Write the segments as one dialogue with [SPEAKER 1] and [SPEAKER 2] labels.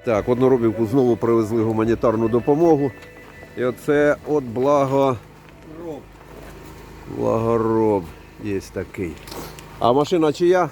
[SPEAKER 1] Так, в Одноробівку знову привезли гуманітарну допомогу. І оце от Благороб є такий. А машина чия?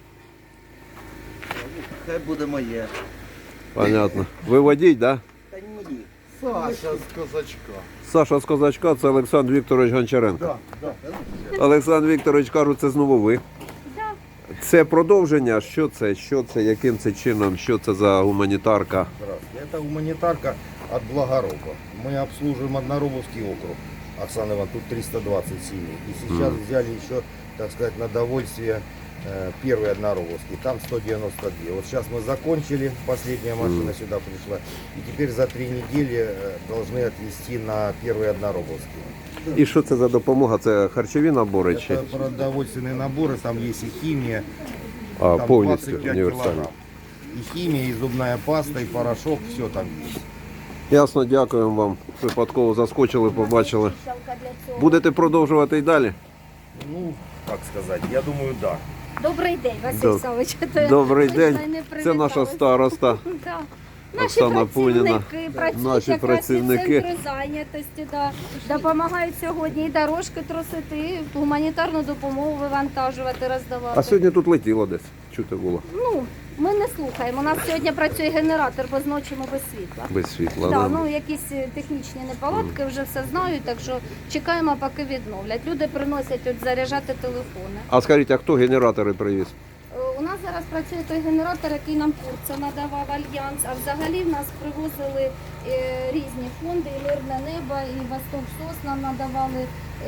[SPEAKER 2] Хай буде моє.
[SPEAKER 1] Понятно. Ви водій, так? Да?
[SPEAKER 2] Та ні. Саша з козачка.
[SPEAKER 1] Саша з Козачка, це Олександр Вікторович Гончаренко. Олександр Вікторович, кажуть, це знову ви. Це продовження, що це, яким це чином, що це за гуманітарка?
[SPEAKER 2] Здравствуйте. Это гуманитарка от Благороба. Мы обслуживаем Одноробовский округ. Оксана Ивановна, тут 320 семей. И сейчас взяли еще, так сказать, на довольствие первый Одноробовский. Там 192. Вот сейчас мы закончили, последняя машина сюда пришла. И теперь за 3 недели должны отвезти на первый Одноробовский.
[SPEAKER 1] І що це за допомога? Це харчові набори чи
[SPEAKER 2] Это продовольственные наборы, там есть и химия. Там
[SPEAKER 1] повністю
[SPEAKER 2] 25
[SPEAKER 1] універсальні?
[SPEAKER 2] килограмм. И химия, и зубная паста, и порошок, все там есть.
[SPEAKER 1] Ясно, дякуємо вам. Випадково заскочили, побачили. Будете продовжувати і далі?
[SPEAKER 2] Ну, как сказать, я думаю, да.
[SPEAKER 3] Добрий день, Василь Савич.
[SPEAKER 1] Добрий день. Це наша староста.
[SPEAKER 3] Да.
[SPEAKER 1] Оксана Пуніна.
[SPEAKER 3] Працюють
[SPEAKER 1] Наші
[SPEAKER 3] якраз
[SPEAKER 1] працівники.
[SPEAKER 3] і центри зайнятості, да. Допомагають сьогодні і дорожки тросити, і гуманітарну допомогу вивантажувати, роздавати.
[SPEAKER 1] А сьогодні тут летіло десь, чути було.
[SPEAKER 3] Ну, ми не слухаємо. У нас сьогодні працює генератор, бо зночі ми без світла.
[SPEAKER 1] Без світла.
[SPEAKER 3] Да,
[SPEAKER 1] Да.
[SPEAKER 3] ну якісь технічні неполадки, вже все знають, так що чекаємо, поки відновлять. Люди приносять от заряджати телефони.
[SPEAKER 1] А скажіть, а хто генератори привіз?
[SPEAKER 3] У нас зараз працює той генератор, який нам Турція надавав Альянс, а взагалі в нас привозили різні фонди, і Мирне небо, і Восток СОС нам надавали.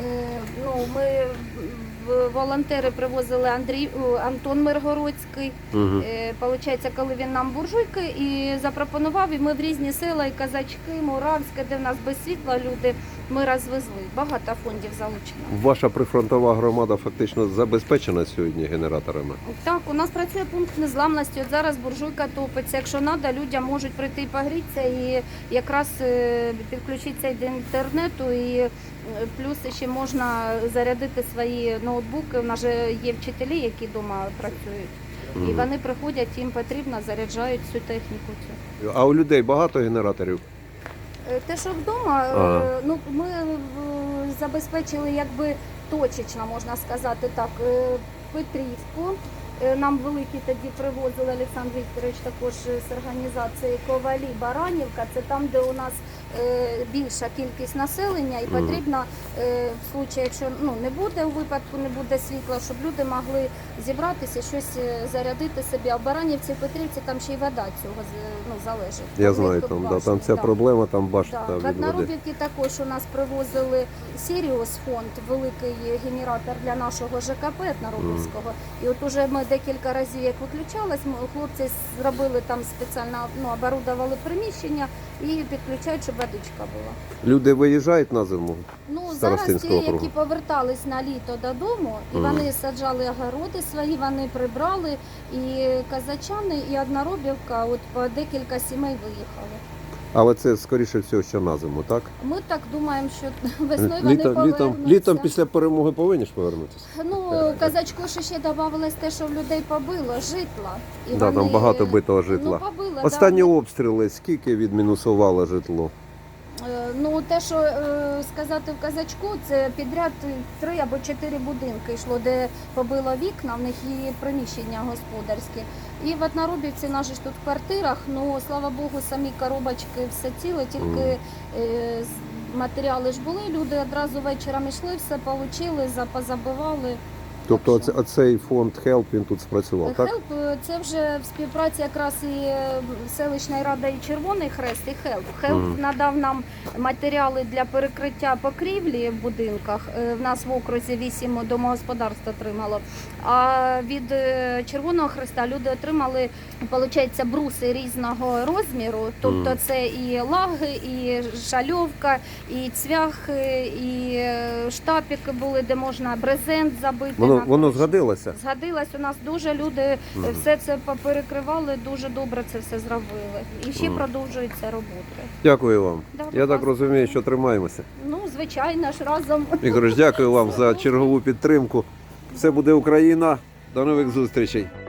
[SPEAKER 3] Ми волонтери привозили Антон Миргородський. Получається, коли він нам буржуйки і запропонував, і ми в різні села, і Казачки, Муравське, де в нас без світла люди, ми розвезли. Багато фондів залучено.
[SPEAKER 1] Ваша прифронтова громада фактично забезпечена сьогодні генераторами?
[SPEAKER 3] Так, у нас працює пункт незламності. От зараз буржуйка топиться. Якщо треба, людям можуть прийти і погрітися, і якраз підключитися до інтернету, і плюс ще можна зарядити свої ноутбуки. У нас же є вчителі, які вдома працюють. І вони приходять, їм потрібно, заряджають всю техніку цю.
[SPEAKER 1] А у людей багато генераторів?
[SPEAKER 3] Те, що вдома, ми забезпечили якби точечно, можна сказати так, Петрівку. Нам великі тоді привозили Олександр Вікторович також з організації Ковалі, Баранівка. Це там, де у нас більша кількість населення і потрібно, в случаї, якщо не буде у випадку, не буде світла, щоб люди могли зібратися, щось зарядити собі. А в Баранівці, Петрівці там ще й вода цього залежить.
[SPEAKER 1] Я знаю, там ця проблема, там башта
[SPEAKER 3] В
[SPEAKER 1] від води.
[SPEAKER 3] Одноробівці також у нас привозили Сіріус фонд, великий генератор для нашого ЖКП Одноробівського. І от уже ми декілька разів, як виключалось, хлопці зробили там спеціально, оборудували приміщення і підключають, щоб водичка була.
[SPEAKER 1] Люди виїжджають на зиму?
[SPEAKER 3] Зараз ті,
[SPEAKER 1] Старостинського округу.
[SPEAKER 3] які повертались на літо додому, і вони саджали огороди свої, вони прибрали, і казачани, і Одноробівка, от по декілька сімей виїхали.
[SPEAKER 1] Але це, скоріше всього, що на зиму, так?
[SPEAKER 3] Ми так думаємо, що весною вони повернуться.
[SPEAKER 1] Літом після перемоги повинні ж повернутися?
[SPEAKER 3] Казачку ще додавалось те, що в людей побило житла. І
[SPEAKER 1] Там багато битого житла.
[SPEAKER 3] Побило,
[SPEAKER 1] Останні обстріли, скільки відмінусувало житло?
[SPEAKER 3] Те, що сказати в Казачку, це підряд 3 або 4 будинки йшло, де побило вікна, в них є приміщення господарські. І в Одноробівці, наші ж тут в квартирах, слава Богу, самі коробочки все ціле, тільки матеріали ж були, люди одразу вечором йшли, все отримали, позабивали.
[SPEAKER 1] Тобто оцей фонд HELP, він тут спрацював, так?
[SPEAKER 3] HELP – це вже в співпраці якраз і селищної ради і Червоний Хрест, і HELP. HELP надав нам матеріали для перекриття покрівлі в будинках. В нас в окрузі 8 домогосподарств отримало. А від Червоного Хреста люди отримали, виходить, бруси різного розміру. Тобто це і лаги, і шальовка, і цвях, і штапики були, де можна брезент забити.
[SPEAKER 1] Воно згодилося?
[SPEAKER 3] Згодилось. У нас дуже люди все це поперекривали, дуже добре це все зробили. І ще продовжуються роботи.
[SPEAKER 1] Дякую вам.
[SPEAKER 3] Да,
[SPEAKER 1] Я так розумію, що тримаємося.
[SPEAKER 3] Звичайно ж, разом.
[SPEAKER 1] Ігор, дякую вам за чергову підтримку. Все буде Україна. До нових зустрічей.